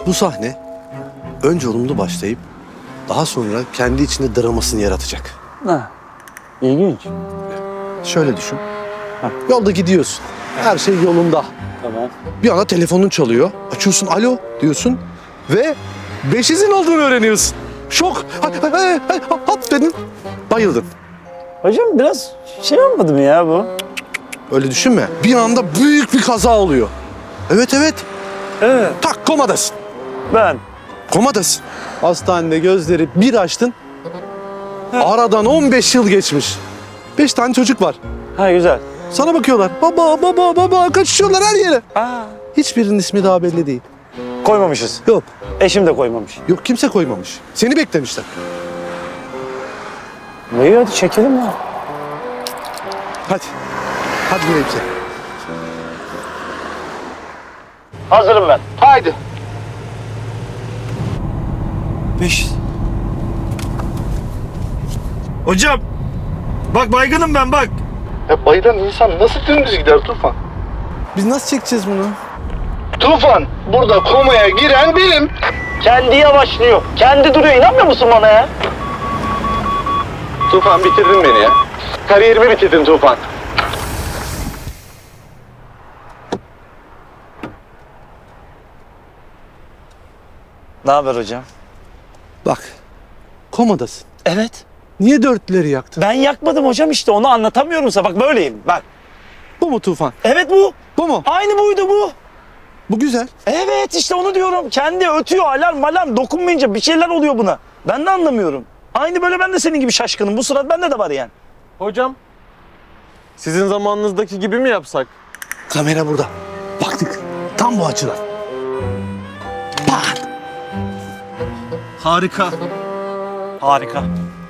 Bu sahne önce olumlu başlayıp daha sonra kendi içinde dramasını yaratacak. Ha. İlginç. Şöyle düşün. Yolda gidiyorsun. Her şey yolunda. Tamam. Bir anda telefonun çalıyor. Açıyorsun, alo diyorsun ve beşizin olduğunu öğreniyorsun. Şok. Hop dedin. Bayıldın. Hocam biraz şey olmadı mı ya bu? Öyle düşünme. Bir anda büyük bir kaza oluyor. Evet. Evet. Tak komadasın. Ben. Komadasın. Hastanede gözleri bir açtın. Aradan 15 yıl geçmiş. 5 tane çocuk var. Ha güzel. Sana bakıyorlar. Baba kaçışıyorlar her yere. Aa. Hiçbirinin ismi daha belli değil. Koymamışız. Yok. Eşim de koymamış. Yok kimse koymamış. Seni beklemişler. İyi hadi çekelim ya. Hadi. Hadi Mevki. Hazırım ben. Haydi. 5. Hocam. Bak baygınım ben bak. Ya bayılan insan nasıl dümdüz gider Tufan? Biz nasıl çekeceğiz bunu? Tufan, burada komaya giren benim. Kendi yavaşlıyor. Kendi duruyor. İnanmıyor musun bana ya? Tufan bitirdin beni ya. Kariyerimi bitirdin Tufan. Ne haber hocam? Bak. Komadasın. Evet. Niye dörtleri yaktın? Ben yakmadım hocam işte. Onu anlatamıyorum sana. Bak böyleyim. Bak. Bu mu Tufan? Evet bu. Bu mu? Aynı buydu bu. Bu güzel. Evet işte onu diyorum. Kendi ötüyor alarm dokunmayınca bir şeyler oluyor buna. Ben de anlamıyorum. Aynı böyle ben de senin gibi şaşkınım. Bu surat bende de var yani. Hocam, sizin zamanınızdaki gibi mi yapsak? Kamera burada. Baktık. Tam bu açıdan. Pat. Harika. Harika.